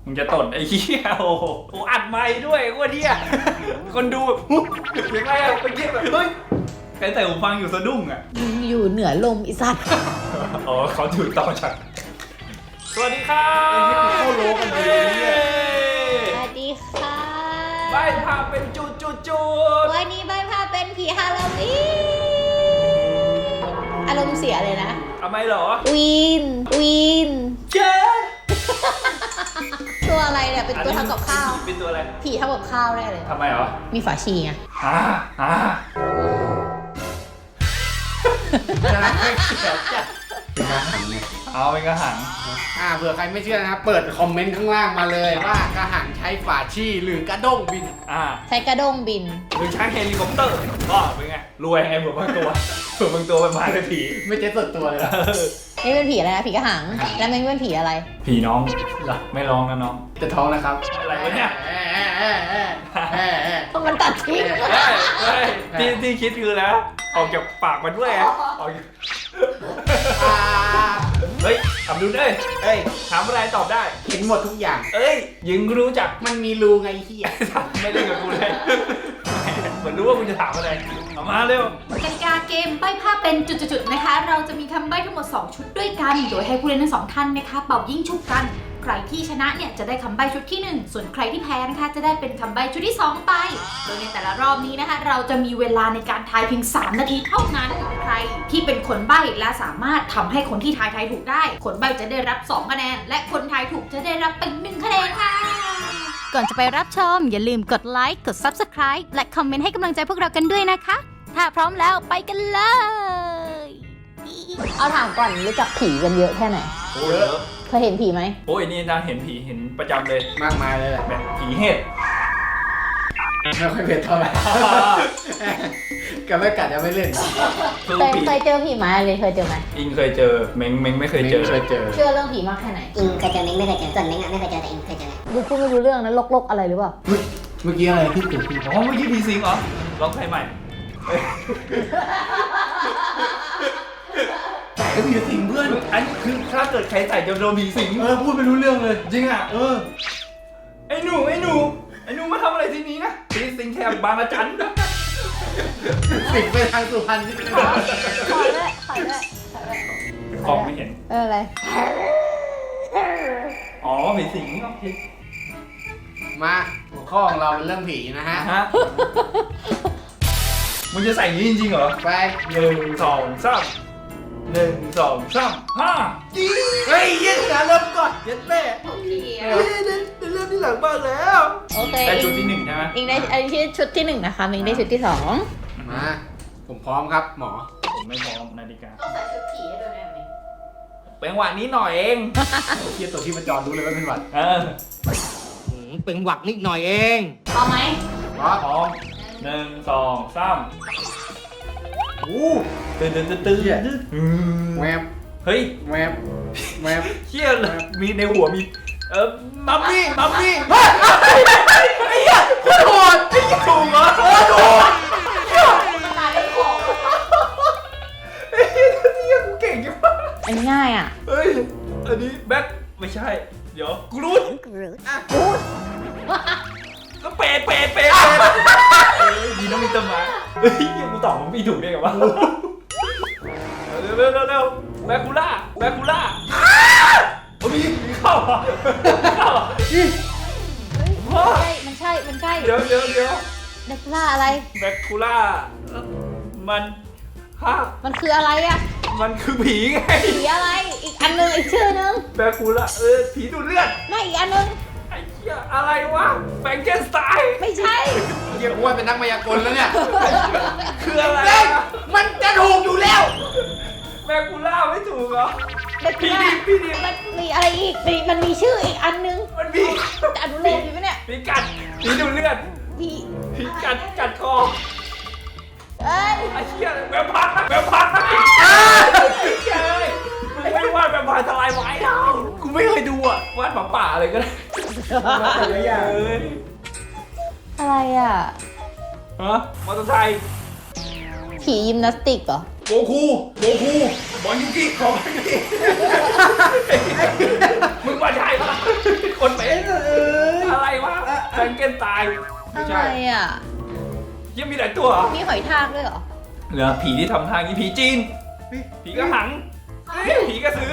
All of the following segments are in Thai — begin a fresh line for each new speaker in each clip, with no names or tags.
มึงจะตดไอ้เหี้ยโอ้โหอัดไมค์ด้วยโคตรเหี้ยคนดูแบบยังไงอะไปเงี้ยแบบเฮ้ยใครใส่หูฟังอยู่สะดุ้งอะ
อยู่เหนือลมอีสัตว์
อ๋อเขาถือต่อจากสวัสดีครับเข้าโลกันเลยเนี่ย
สวัสดีค่ะ
ใบพาเป็นจุด
วันนี้ใบพาเป็นผีฮาโลวีนอารมณ์เสียเลยนะ
ทำไมเหรอ
วีน
เจ๊
ตัวอะไรเนี่ยเป็นตัวทำกับข้าว
เป็นตัวอะไร
ผีทำกับข้าวได้เลย
ทำไมเหรอ
มีฝาชีไง
เป็นกระหังไง
เอาเป็นกระหัง
เผื่อใครไม่เชื่อนะครับ เปิดคอมเมนต์ข้างล่างมาเลยว่ากระหังใช้ฝาชี่หรือกระด้งบิน
ใช้กระด้งบิน
หรือใช้เฮลิคอปเตอร์ก็เป็นไงรวยไงเผื่อบางตัวเผื่อบางตัวเป็นพายผี
ไม่ใช่ส่วนตัวเลยนะ
นี่เป็นผีอะไรนะผีกระหัง แล้วมันเป็นผีอะไร
ผีน้องเหรอไม่ร้องนะน้อง
จะท้องนะครับ
อะไรวะเนี่ย
เพราะมันตัดทิ้ง
ที่คิดคือแล้วออกจากปากมันด้วยอะออกจากเฮ้ยทำดูได้
เอ้ย
ถามอะไรตอบได้
เห็นหมดทุกอย่าง
เอ้ยยิงรู้จัก
มันมีรูไงเฮีย
ไม่เล่นกับกูเลยเหมือนรู้ว่ากูจะถามอะไรเอามาเร็ว
กติกาเกมใบ้ภาพเป็นจุดๆนะคะ เราจะมีคำใบ้ทั้งหมด 2 ชุดด้วยกัน โดยให้ผู้เล่นทั้งสองท่านนะคะเป่ายิ่งชุบกัน ใครที่ชนะเนี่ยจะได้คำใบ้ชุดที่ 1 ส่วนใครที่แพ้นะคะจะได้เป็นคำใบ้ชุดที่ 2 ไป โดยในแต่ละรอบนี้นะคะ เราจะมีเวลาในการทายเพียง 3 นาทีเท่านั้น ใครที่เป็นคนใบ้และสามารถทำให้คนที่ทายถูกได้ คนใบ้จะได้รับ 2 คะแนน และคนทายถูกจะได้รับเป็น1คะแนนค่ะ ก่อนจะไปรับชมอย่าลืมกดไลค์กด Subscribe และคอมเมนต์ให้กำลังใจพวกเรากันด้วยนะคะ ถ้าพร้อมแล้วไปกันเลย
เอาถามก่อนรู้จักผีกันเยอะแค่ไหน
โอ้ยเยอะ
เคยเห็นผีไหม
โอ้ยนี่นะเห็นผีเห็นประจำเลย
มากมายเลยแหละ
แบบผีเห็ด
ไม่ค่อยเผ็ดเท่าไหร่กับไม่กัดจะไม่เล่น
คือ
เคย
ผี
เคยเจอผีไหมเลยเคยเจอไหม
อิงเคยเจอเม้งไม่เคยเจอ
เคยเจอ
เชื่อเรื่องผีมากแค่ไหน
อิงเคยเจอเม้งไม่เคยเจอส่วนเม้งอ่ะไม่เคยเจอแต่อิงเคยเจอ
ดูพูดไม่รู้เรื่องนะลกๆอะไรหรือเปล่า
เมื่อกี้อะไรที่เกิดขึ้น
อ๋อเมื่อกี้ผีสิงเหรอลองใครใหม่เอ้ย
ไอ้ผีสิงเพื่อน
อันนี้คือถ้าเกิดใครใส่จะโดนผีสิง
พูดไม่รู้เรื่องเลย
จริงอ่ะไอ้หนูมาทำอะไรที่นี้นะผีสิงแถบบางระจัน
สิงไปทางสุพรรณที่เป็น
ขอด้วย
ของไม่เห็น
อะไร
อ๋อผีสิงโอเค
มาหัวข้อของเราเป็นเรื่องผีนะฮะ
ฮะมึงจะใส่อย่างนี้จริงๆเหรอ
ไป
1 2 3 1 2 3 5
เฮ้ยเยี่ยงนะเริ่มก่อนเย็นเต้
โอเค
เรื่องที่หลังบ้านแล้ว
โอเค
ได้ชุดที่1ใช่ไหม
อิงได้อันนี้ชุดที่1นะคะมิงได้ชุดที่2
มาผมพร้อมครับหมอ
ผมไม่พร้อมนาฬิกา
ต้องใส่ชุดผีให้ด้วยได้ไหม
เป็นหวะนี้หน่อยเอง
เทียบตัวที่ประจรรู้เลยว่าเป็นหวัด
เป็นหวักนิดหน่อยเอง
พร้อมไหม
พร้อม
พร้อม1 2 3อู้ตื่น
แวบ
เฮ้ย
แวบแวบ
เชี่ยเลยมีในหัวมีมัมมี่ไอ้เหี้ยโคตรไอ้เหี้ยถูกเหรอถูก
ตายเป็นของ
ไอ้เหี้ยกูเก่งจังวะ
อันนี้ง่ายอ่ะ
เฮ้ยอันนี้แบ็คไม่ใช่เดี๋ยวกูรู้ก็เป็ดยีน้องมีต้นไม้เฮ้ยกูตอบมันไม่ถูกได้ไงวะเร็วแบคูล่าโอ้มีเข้า
มันใช่
เดี๋ยว
เด็กล่าอะไร
แบคูล่ามันฮะ
มันคืออะไรอ่ะ
มันคือผีไง
ผีอะไร อีกอันนึงอีกชื่อนึง
แบคูล่าผีดูดเลือด
ไม่อีกอันนึง
ไอ้เหี้ยอะไรวะแฟรงเกนสไตน์
ไม่ใช่
เยี่ยอ้วนเป็นนักมายากลแล้วเนี่ย
คืออะไร
เฮ้ย
อะ
มันจะถูกอยู่แล้ว
แบคูล่าไม่ถูกเหรอ
เด็กล่ามันมีอะไรอีกมันมีชื่ออีกอันนึง
มันมี
จะอนุโลมอยู่ไหมเนี่ย
ผีกัดผีดูดเลือด
ผี
ผีกัดคอ
เอ้ย
ไอ้เหี้ยแวมไพร์ไอ้เหี้ยเอ้ยมึงไม่วาดแวมไพร์ทลายไม้เรากูไม่เคยดูอ่ะวาดหมาป่าอะไรก็ได้เอ้ย
อะไรอ่ะ
ฮะมอเตอร์ไซค์
ผียิมนาสติกเหรอ
โกคูบอลยูกิของมันนี่มึงว่าใช่ปะคนเป็นแฟรงเกนสไตน์ไม่
อะไร
ใช่
อ่ะ
ยังมีหลายตัวเหรอ
มีหอยทากด้วยเหรอ
เหลือผีที่ทำทางนี้ผีจีน ผีกระหัง ผีกระสือ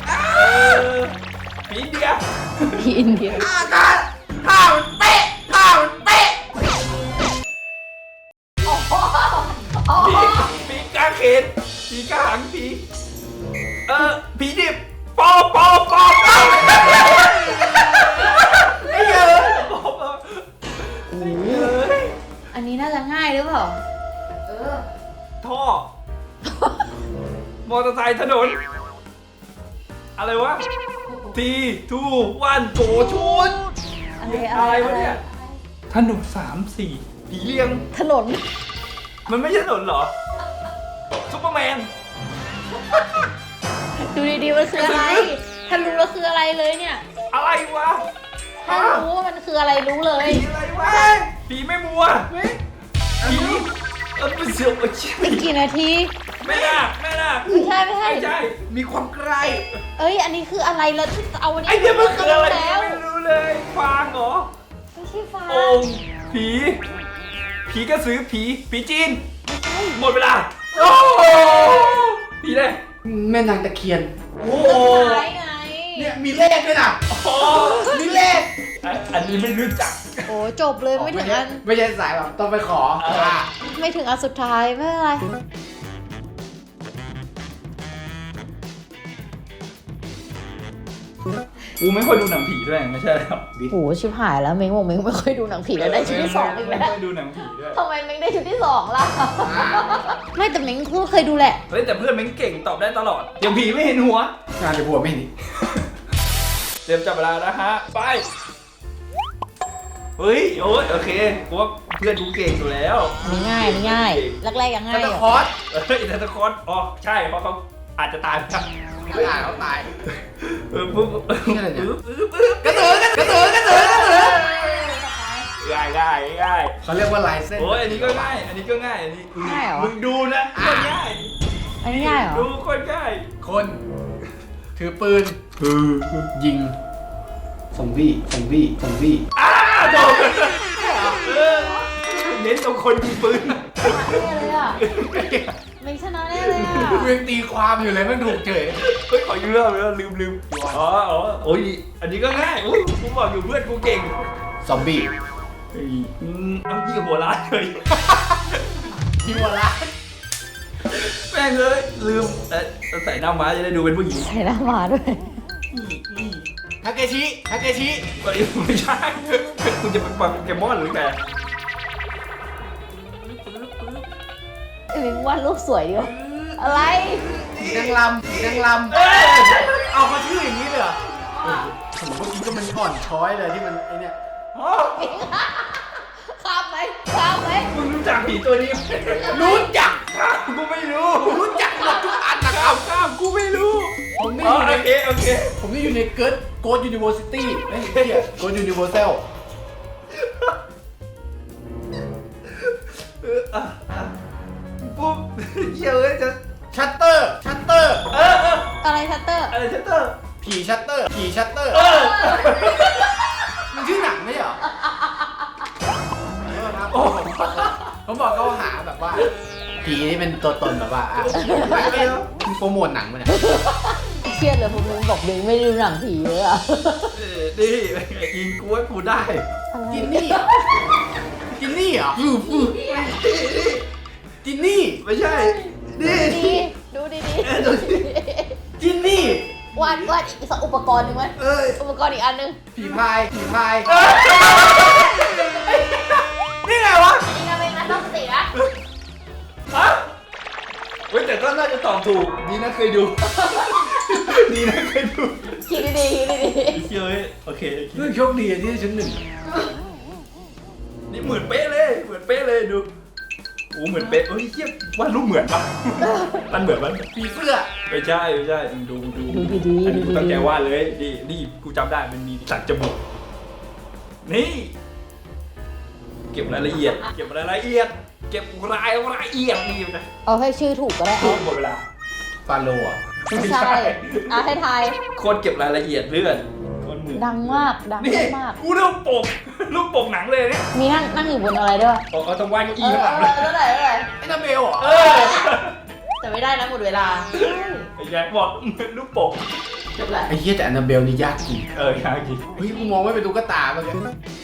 ผีอินเดีย
ที่อินเดีย
ท่ามันเป๊ะ
ผีกางเขนผีกระหังผีผีดิบปอไม่เยอะ
อันนี้น่าจะง่ายหรือเปล่า
ท่อ มอเตอร์ไซค์ถนน อะไรวะ ทีทูวันโกชุด อะไรวะเนี่ย ถนน3-4 ผีเลี้ยง
ถนน
มันไม่ใช่ถนนเหรอ ซุปเปอร์แมน
ดูดีๆมันคืออะไร ถ้ารู้แล้วคืออะไรเลยเนี่ย
อะไรวะ
ถ้ารู้ว่ามันคืออะไรรู้เลย
ผีอะไรวะ ผีไม่มัว ผีเป็นเสือโอ้ย
เป็นกี่นาที
ไม่น่า
ไม่ใช่
ไม่ใช่
มีความใกล้
เอ้ย อันนี้คืออะไรแล้วเอาอันนี้
ไอ้เนี่ยมันคืออะไร
แล้ว
ไม่รู้เลยฟางเหรอ
ไม่ใช่ฟ้า
โอ่งผีกระสือผีจีน หมดเวลา โอ้โหผีเลย
แม่นางตะเคียน
โอ้โห
ท้ายไง
เนี่ยมีเลขด้วยนะ
อ๋อ
มีเลข
อันนี้ไม่รู้จัก
โอ้จบเลยไม่ถึงอัน
ไม่ใช่สายแบบต้องไปขอ
ไม่ถึงอันสุดท้ายไม่เป็นไร
กูไม่ค่อยดูหนังผีด้วยไม่ใช่หรอ
โหชิบหายแล้วเม้งบอกเม้งไม่ค่อยดูหนังผีแล้วได้ชุดที่ 2อีกแล้ว
ไม่ค่อยดูหนังผีด้วย
ทำไมเม้งได้ชุดที่ 2ล่ะ ไม่แต่เม้งก็เคยดูแหละ
เฮ้ยแต่เพื่อนแม่งเก่งตอบได้ตลอดอย่างผีไม่เห็นหัว
งานในบัวไม่เห็นนี่
เตรียมจับเวลานะฮะ ไป เฮ้ย โอ้ยโอเคกูว่าเพื่อนกูเก่งอยู่แล้ว
นี่ง่ายนี่ง่ายแรกๆยังง่าย
ตะ
อยู่
คอส
เฮ้ยแต่ตะคอนอ๋อใช่เพราะเขาอาจจะตายไปแล้ว
ไม่อ่านเขาตาย
ปุ๊บ
นี่อะไรเนี่ย
กระสืง่ายง่าย
เขาเรียกว่าลายเส้น
โอ้ยอันนี้ก็ง่าย อันนี้ก็ง่ายอันนี้
ง่ายเหรอ
มึงดูนะคนง่าย
อันนี้ง่ายเหรอ
ดูคนง่าย
คนถือปืนยิงซอมบี้
โดนเน้นตรงคนยิงปืน
แน่เลยอ่ะเม้งชนะแน่เลยอ่ะ
เรื่องตีความอยู่เลยมันถูกเฉย
เฮ้ยขอยืมเรื่องลืมอ๋อโอ้ยอันนี้ก็ง่ายอุ้ยกูบอกอยู่เพื่อนกูเก่ง
ซอมบี้
เฮ้ยเอายี่หัวร้านเลย
ที่ว่าละ
แม่งเลยลืมใส่หน้าม้าจะได้ดูเป็นผู้หญิง
ใส่หน้ามาด้วย
ทาเกชิ
ไม่ใช่คุณจะเป็นโปเกมอนหรือไง
ไอ้เม้งวาดรูปสวยดีวะอะไร
นางลำเอามาชื่ออย่างนี้เลยเหรอผมเมื่อกี้ก็มันอ่อนช้อยเลยที่มันไอเนี่ย
ข้ามไหม
มึงรู้จักผีตัวนี้ไหม
รู้จัก
กูไม่รู้
รู้จักหมดทุกอันนะครับ
ข้ามกูไม่รู้
ผมนี่
อ๋อ
อยู่ใน
โอเค
ผมนี่อยู่ในโกดยูนิเวอร์ซิตี้ไม่ใช่โกดยูนิเวอร์แซล
ปุ๊บเยอะจะ
ชัตเตอร์
อะไรชัตเตอร์
อะไรชัตเตอร์
ผีชัตเตอร์มันชื่อหนังไม่ใช่เหรอผมบอกเขาหาแบบว่าผีที่เป็นตัวตนแบบว่ามีโปรโมทหนังมันเนี่ย
เครียดเลยผมเม้งบอกเม้งไม่ดูหนังผีเลยอ่ะ
นี่ยิงกูว่ากูได้
จินนี่เหรอจินนี่
ไม่ใช่นี่
ดูดี
จินนี่
วาดอีกสักอุปกรณ์หนึ่งไหมอุปกรณ์อีกอันหนึง
ผีพาย
นี่ไงวะ
นี่นะเม้งนะต้องสตินะ
ฮะเว้ยแต่ก็น่าจะตอบถูกดีนะเคยดู
คิดดี
เชื่อโอเค
เรื่องโชคดีที่ได้ชั้นหนึ่ง
นี่เหมือนเป๊ะเลยดูโอ้เหมือนเป๊ะเฮ้ยเทียบวาดรูปเหมือนปะมันเหมือนมัน
ผีเสื้อ
ไม่ใช่ดู
ดู
อันนี้กูตั้งใจ
ๆ
วาดเลยนี่กูจำได้มันมีสักจมูกนี่เก็บรายละเอียดเก็บรายละเอียดนี่นะ
เอาให้ชื่อถูกก็ได้เอา
หมดเวลา
ฟาโลอ่ะ
ไม่ใช่ให้ทาย
คนเก็บรายละเอียดเลื่อนคน
ดังมากดัง
นี่
มาก
กูรูปปกรูปปกหนังเลยเนี่ย
มีนั่งอยู่บนอะไรด้วย
บอกเอาตรงวางเก้าอี้ข้างหลังเลย
ไอ้นาเบลเหรอ
เออ
แต่ไม่ได้นะหมดเวลา
ไอ้แจ็คบอกรูปปก
จบละ
ไอ้เหี้ยแต่นาเบลนี่ยากจริง
ยากจริง
เฮ้ยกูมองไม่เป็นตุ๊กตาเมื่อกี้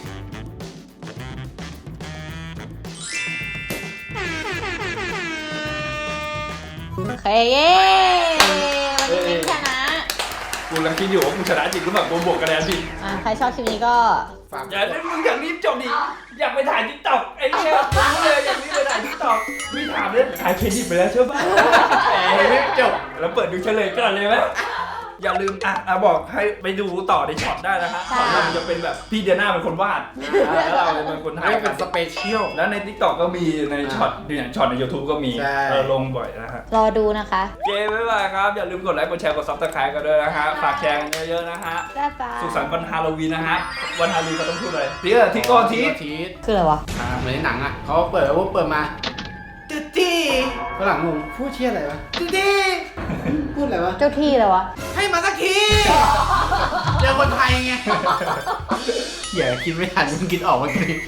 โอเคเย้วันนี้เป็นชนะ
กูกำลังคิดอยู่ว่ามึงชนะจริงหรือเปล่ากูบวกคะแนนผิด
ใครชอบคลิปนี้ก็
ฝาก
อย่ามึงอย่างนี้จบดิอยากไปถ่ายทิกตอกไอ้เนี่ยรู้เลยอย่างนี้ไปถ่ายทิกตอกไม่ถามเลยถ่ายเครดิตไปแล้วใช่ปะ
ไม่จบ
แล้วเปิดดูเฉลยก่อนเลยไหมอย่าลืมบอกให้ไปดูต่อในช็อตได้นะฮะช็อตเราจะเป็นแบบพี่เดียน่าเป็นคนวาดแล้วเราเป็นคนถ่าย
ไม่เป็นสเปเชียล
แล้วใน TikTok ก็มีในช็อตเนี่ยช็อตใน YouTube ก็มี
ใช่
ลงบ่อยนะฮะ
รอดูนะคะ
เจบ๊ายบายครับ อย่าลืมกดไลค์กดแชร์กด Subscribe กันด้วยนะฮะฝากแชร์กันเยอะๆนะฮะ
บ๊ายบาย
สุขสันต์วันฮาโลวีนนะฮะวันฮาโลวีนเขาต้องพูดอะไรทิกโกที
ทีส
คืออะไรวะ
เหมือนในหนังอ่ะเขาเปิดมาตุ๊ตี้ฝรั่งงงพูดเชี่ยอะไรวะตุ๊ตี้พูดอะไรวะ
เจ้าที่เลยวะ
ให้มาสักทีเจอคนไทยไงอย่าคิดไม่ทันมึงคิดออกเมื่อกี้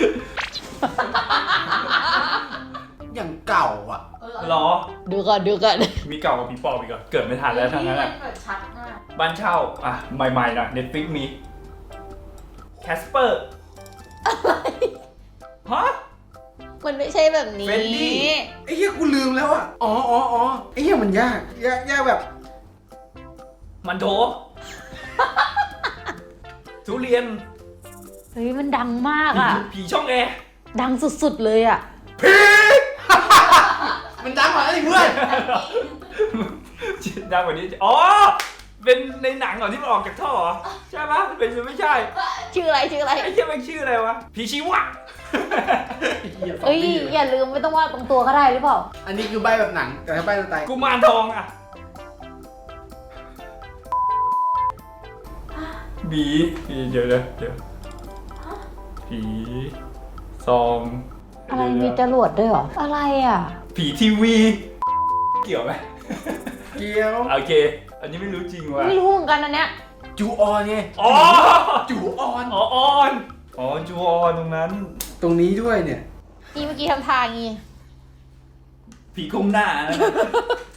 อย่างเก่าอ่ะ
หรอ
ดูก่อน
มีเก่ากว่าผีปอบอีกเหรอเกิดไม่ทันแล้วทั้งนั้นแหละ
แบบชัดมาก
บ้านเช่าใหม่ๆหน่อย Netflix มีแคสเปอร์ฮะ
มันไม่ใช่แบบนี้
เฟรนดี้
ไอ้เหี้ยกูลืมแล้วอ่ะอ๋อไอ้เหี้ยมันยากแบบ
มันโถ ทุเรียน
เฮ้ยมันดังมากอ่ะ
ผีช่องแอร์
ดังสุดๆเลยอ่ะ
มันดังกว่านั้นอีกเพื่อน
ดังกว่านี้อ๋อเป็นในหนังเหรอที่มันออกจากท่อเหรอใช่ปะเป็นไม่ใช่
ชื่ออะไร
ไอ้เหี้ยมันชื่ออะไรวะผีชีวะ
เอ้ยอย่าลืมไม่ต้องวาดตรงตัวก็ได้หรือเปล่า
อันนี้คือใบแบบหนังแต่ถ้าใบสไตล์
กุมารทองอ่ะผีเดี๋ยวผีซอง
อะไรมีจรวดด้วยเหรอ อะไรอ่ะ
ผีทีวี เกี่ยวไหม
เกียว
โอเค อันนี้ไม่รู้จริงว่ะ
ไม่รู้เหมือนกันอันเนี้ย
จูออนไง
อ๋อ
จูออน
อ๋อออนอ๋อจูออนตรงนั้น
ตรงนี้ด้วยเนี่ย
นี่เมื่อกี้ทำทางงี้
ผีก้มหน้านะ